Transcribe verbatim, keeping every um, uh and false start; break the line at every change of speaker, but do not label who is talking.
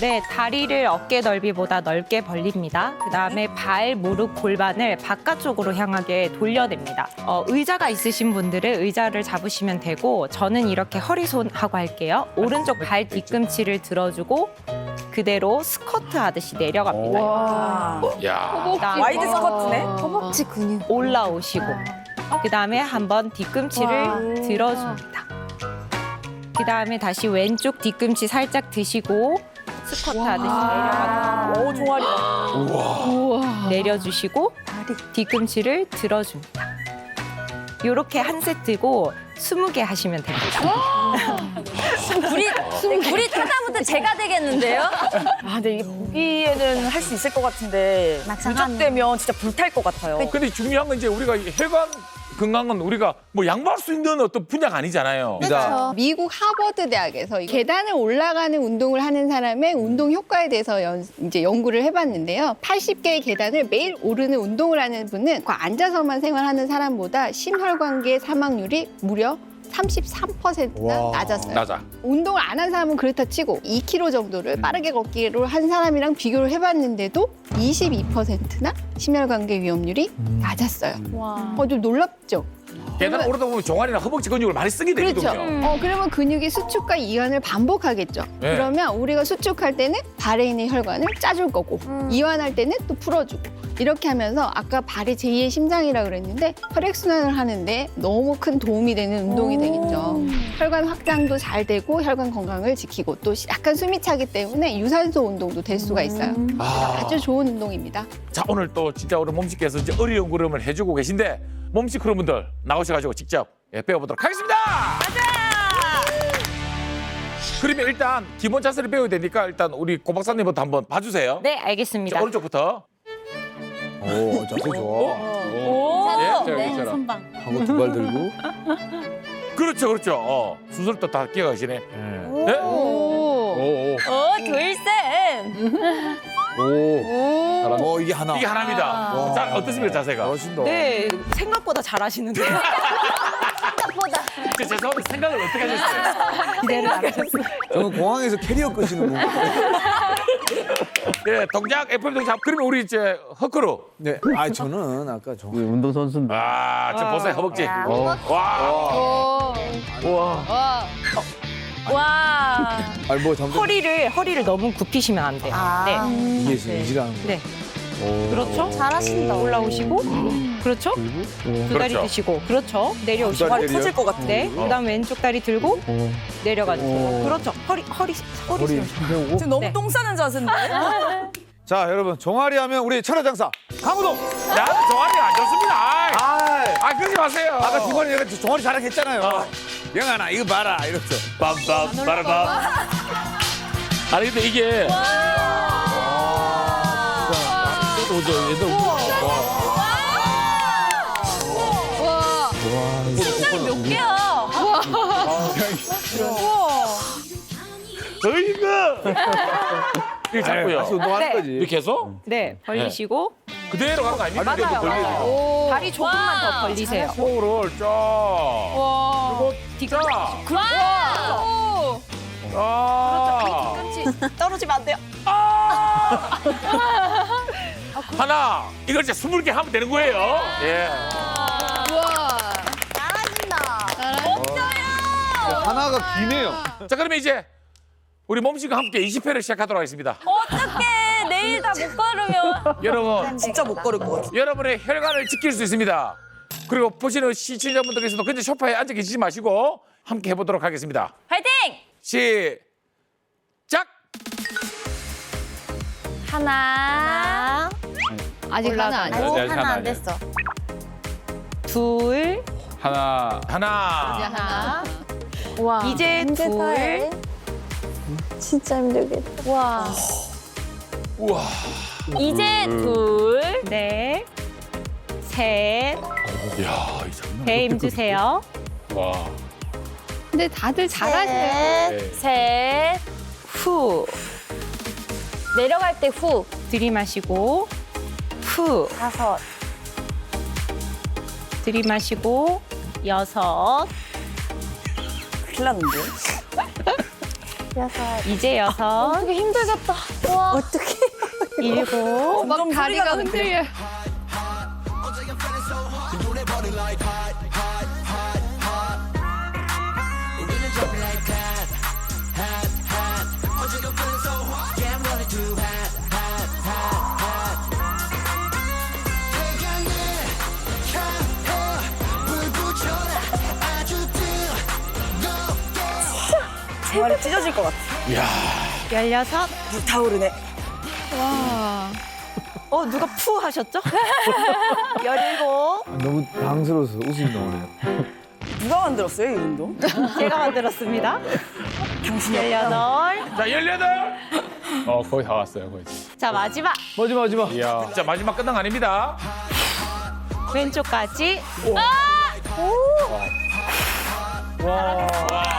네, 다리를 어깨 넓이보다 넓게 벌립니다. 그다음에 발, 무릎, 골반을 바깥쪽으로 향하게 돌려냅니다. 어, 의자가 있으신 분들은 의자를 잡으시면 되고 저는 이렇게 허리손하고 할게요. 오른쪽 발 뒤꿈치를 들어주고 그대로 스쿼트 하듯이 내려갑니다.
야.
그다음에
와이드 스쿼트네.
허벅지 근육.
올라오시고 그다음에 한번 뒤꿈치를 들어줍니다. 그다음에 다시 왼쪽 뒤꿈치 살짝 드시고 스쿼트 하듯이 내려가고
오, 종아리.
내려주시고 뒤꿈치를 들어줍니다. 이렇게 한 세트고 스무 개 하시면 됩니다.
불이 불이 타다부터 제가 되겠는데요?
아, 근데 이게 보기에는 할 수 있을 것 같은데
막상 하면.
누적되면 진짜 불탈 것 같아요.
근데 중요한 건 이제 우리가 이 혈관 건강은 우리가 뭐 양보할 수 있는 어떤 분야가 아니잖아요.
그렇죠. 미국 하버드 대학에서 이 계단을 올라가는 운동을 하는 사람의 운동 효과에 대해서 연, 이제 연구를 해봤는데요. 팔십 개의 계단을 매일 오르는 운동을 하는 분은 그 앉아서만 생활하는 사람보다 심혈관계 사망률이 무려 삼십삼 퍼센트나
와.
낮았어요.
낮아.
운동을 안 한 사람은 그렇다 치고 이 킬로미터 정도를 빠르게 걷기로 한 사람이랑 비교를 해봤는데도 이십이 퍼센트나 심혈관계 위험률이 낮았어요.
와.
어, 좀 놀랍죠?
계단 오르다 보면 종아리나 허벅지 근육을 많이 쓰게
그렇죠.
되거든요.
어, 그러면 근육이 수축과 이완을 반복하겠죠.
네.
그러면 우리가 수축할 때는 발에 있는 혈관을 짜줄 거고 이완할 때는 또 풀어주고 이렇게 하면서 아까 발이 제이의 심장이라 그랬는데 혈액순환을 하는데 너무 큰 도움이 되는 운동이 되겠죠. 혈관 확장도 잘 되고 혈관 건강을 지키고 또 약간 숨이 차기 때문에 유산소 운동도 될 수가 있어요.
아.
아주 좋은 운동입니다.
자, 오늘 또 진짜 우리 몸씨께서 이제 어려운 걸음을 해주고 계신데 몸씨 크루분들 나오셔가지고 직접 예, 배워보도록 하겠습니다. 맞아. 그러면 일단 기본 자세를 배워야 되니까 일단 우리 고 박사님부터 한번 봐주세요.
네,
자,
알겠습니다.
오른쪽부터.
오, 자세 좋아.
오.
예, 자,
네,
여기처럼.
선방.
하고 두 발 들고.
그렇죠, 그렇죠. 어, 순서를 또 다 끼어가시네. 네?
오.
오,
오, 둘셋.
오. 오.
오.
어, 이게 하나.
이게 하나입니다.
와.
자, 어떻습니까, 자세가?
잘하신다.
네, 생각보다 잘하시는데요.
생각보다.
저 죄송한데 생각을 어떻게 하셨어요?
기대를 안 하셨어요.
저는 공항에서 캐리어 끄시는 분.
예, 동작, 에프엠 동작. 그러면 우리 이제 허크루.
네. 아, 저는 아까 저.
운동선수인데.
아, 지금 보세요, 허벅지.
야.
와.
오.
우와.
와.
와.
아니, 뭐 잠깐.
허리를 허리를 너무 굽히시면 안 돼요.
아.
네.
이게 지금 인지라는 거.
네.
오.
그렇죠.
잘하신다.
올라오시고 그렇죠.
그리고
두 다리
그렇죠.
드시고 그렇죠. 내려오시고
두 다리
발이 터질 것 같아.
네.
어.
그다음 왼쪽 다리 들고
어,
내려가 주세요.
어.
그렇죠. 허리 허리 허리
허리
세우시고.
세우고.
지금 너무
네.
똥 싸는 자세인데?
자, 여러분. 종아리 하면 우리 천하장사. 강호동.
야, 종아리 안 좋습니다. 아이.
아,
아, 그러지 마세요.
아까 중간에 내가 종아리 자랑했잖아요. 영아나, 이거 봐라. 이랬죠.
빰빰 빠라밤. 아니 근데 이게
심장이 몇 개야?
어이구. 이거 잡고요.
다시 운동하는
네.
거지.
이렇게 해서
네. 벌리시고
그대로 가는 거 아닙니까?
맞아요. 맞아요. 다리 조금만 더 벌리세요.
코를 쫙.
와.
그리고
뒤꿈치.
와.
아.
뒤꿈치 떨어지면 안 돼요.
하나. 이걸 이제 스물 개 하면 되는 거예요. 예.
우와.
잘하신다.
하나가 기네요.
자, 그러면 이제 우리 몸씨과 함께 이십 회를 시작하도록 하겠습니다.
어떡해. 내일 다 못 걸으면.
여러분,
진짜 못 걸을 것 같아. 여러분의
여러분의 혈관을 지킬 수 있습니다. 그리고 보시는 시청자분들께서도 근데 소파에 앉아 계시지 마시고 함께 해보도록 하겠습니다.
화이팅!
시작!
하나.
아직 하나 아니야.
아이고,
네, 하나
하나 안
아니에요.
됐어.
둘.
하나.
하나.
하나.
와.
이제 둘.
진짜 힘들겠다. 와.
우와.
이제 둘.
네. 셋.
이야, 이 장난.
배 힘 주세요.
와.
근데 다들 잘하시네요.
셋. 셋.
후.
내려갈 때 후.
들이마시고 후.
다섯.
들이마시고 여섯.
큰일 났는데?
여섯.
이제 여섯,
되게 힘들겠다. 와. 어떡해.
일곱,
막 다리가 흔들려.
정말 찢어질 것 같아.
이야.
열여섯.
불타오르네.
와.
어, 누가 푸 하셨죠? 열일곱.
너무 당스러워서 웃음이 나오네요.
누가 만들었어요, 이 운동?
제가 만들었습니다.
당신이
열여덟.
자, 열여덟. 어, 거의 다 왔어요, 거의.
자, 마지막.
마지막 마지막.
이야. 자, 마지막 끝난 거 아닙니다.
왼쪽까지.
와.